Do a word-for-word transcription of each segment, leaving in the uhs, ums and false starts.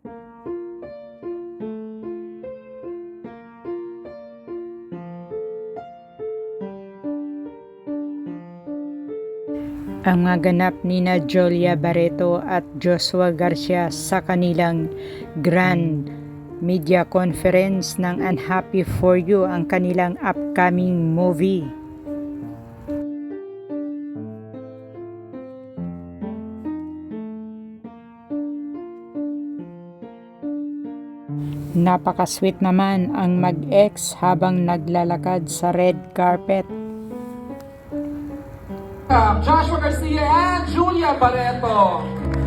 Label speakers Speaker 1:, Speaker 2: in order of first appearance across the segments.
Speaker 1: Ang mga ganap nina Julia Barreto at Joshua Garcia sa kanilang grand media conference ng Unhappy For You, ang kanilang upcoming movie. Napaka-sweet naman ang mag-ex habang naglalakad sa red carpet.
Speaker 2: Joshua Garcia and Julia Barreto.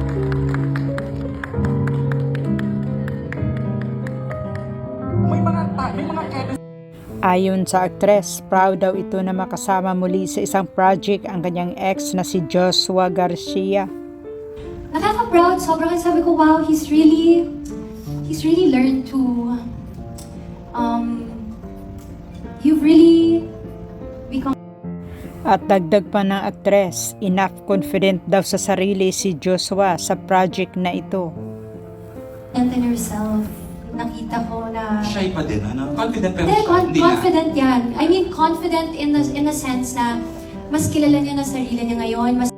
Speaker 2: May mga may mga chemistry.
Speaker 1: Ayon sa aktres, proud daw ito na makasama muli sa isang project ang kanyang ex na si Joshua Garcia.
Speaker 3: Nakaka-proud, sobrang sabi ko, wow, he's really, he's really learned to, um, you've really become.
Speaker 1: At dagdag pa ng aktres, enough confident daw sa sarili si Joshua sa project na ito.
Speaker 3: And in yourself, nakita ko na...
Speaker 4: Shy pa din, ano? Confident pero
Speaker 3: Hindi,
Speaker 4: shy.
Speaker 3: con-
Speaker 4: Hindi
Speaker 3: confident yan. I mean, confident in the, in the sense na mas kilala niya na sarili niya ngayon. Mas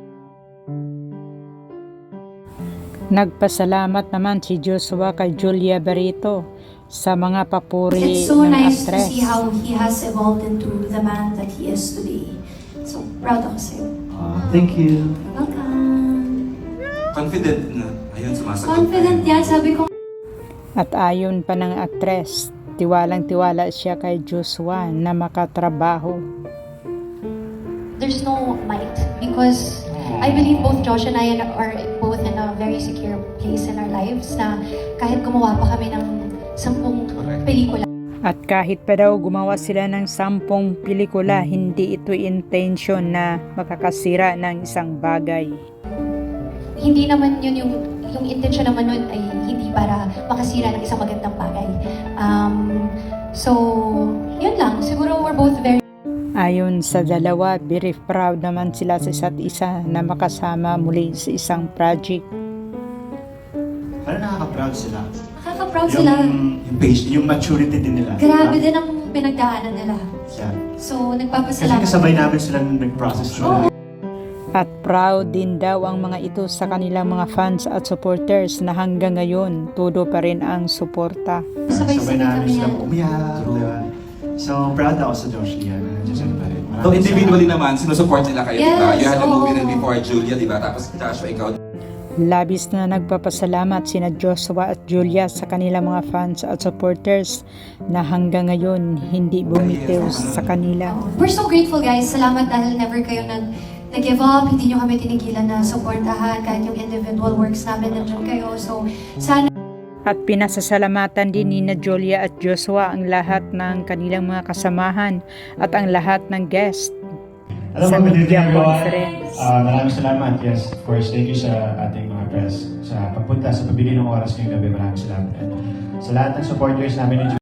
Speaker 1: Nagpasalamat naman si Joshua kay Julia Barreto sa mga papuri
Speaker 3: It's so
Speaker 1: ng
Speaker 3: nice
Speaker 1: aktres.
Speaker 3: to see how he has evolved into the man that he is today. So, proud ako sa'yo.
Speaker 5: Uh, thank you.
Speaker 3: Welcome.
Speaker 4: Confident na. Ayun, sumasagot.
Speaker 3: Confident yan, sabi ko.
Speaker 1: At ayon pa ng aktres, tiwalang-tiwala siya kay Joshua na makatrabaho.
Speaker 3: There's no might because I believe both Josh and I are both in a very secure place in our lives na kahit gumawa pa kami ng sampung pelikula.
Speaker 1: At kahit pa daw gumawa sila ng sampung pelikula, hindi ito intention na makakasira ng isang bagay.
Speaker 3: Hindi naman yun yung, yung intention naman nun ay hindi para makasira ng isang magandang bagay. Um, so, yun lang. Siguro we're both very...
Speaker 1: Ayon sa dalawa, very proud naman sila sa isa't isa na makasama muli sa isang project.
Speaker 5: Parang nakaka-proud sila.
Speaker 3: Nakaka-proud sila.
Speaker 5: Yung patient, yung maturity din nila.
Speaker 3: Grabe din ang pinagdaanan nila.
Speaker 5: Yeah.
Speaker 3: So,
Speaker 5: Kasi
Speaker 3: nagpapasalamat.
Speaker 5: kasabay namin sila nung nag-process
Speaker 3: Oo.
Speaker 5: nila.
Speaker 1: At proud din daw ang mga ito sa kanilang mga fans at supporters na hanggang ngayon todo pa rin ang suporta.
Speaker 5: Sabay
Speaker 3: Sabay-sabay
Speaker 5: namin
Speaker 3: kami
Speaker 5: sila
Speaker 3: yan.
Speaker 5: umiyak. Diba? So, proud ako sa Josh Lia. Nandiyan siya pa rin.
Speaker 4: So individually naman, sinusupport nila kayo,
Speaker 3: Yes,
Speaker 4: diba? You had a movie
Speaker 3: oo.
Speaker 4: rin before Julia, diba? Tapos Joshua, ikaw.
Speaker 1: Labis na nagpapasalamat sina Joshua at Julia sa kanilang mga fans at supporters na hanggang ngayon hindi bumitiw sa kanila.
Speaker 3: We're so grateful, guys. Salamat dahil never kayo nag nag-give up. Hindi nyo kami tinigilan na supportahan kahit yung individual works namin nandiyan kayo. So, sana
Speaker 1: At pinasasalamatan din ni na Julia at Joshua ang lahat ng kanilang mga kasamahan at ang lahat ng guest
Speaker 5: Alam
Speaker 1: sa
Speaker 5: mo, good
Speaker 1: media
Speaker 5: evening everyone.
Speaker 1: conference.
Speaker 5: Uh, maraming salamat. Yes, of course. Thank you sa ating mga press sa pagpunta, sa pagbili ng oras ngayong gabi. Maraming salamat. And sa lahat ng supporters namin ni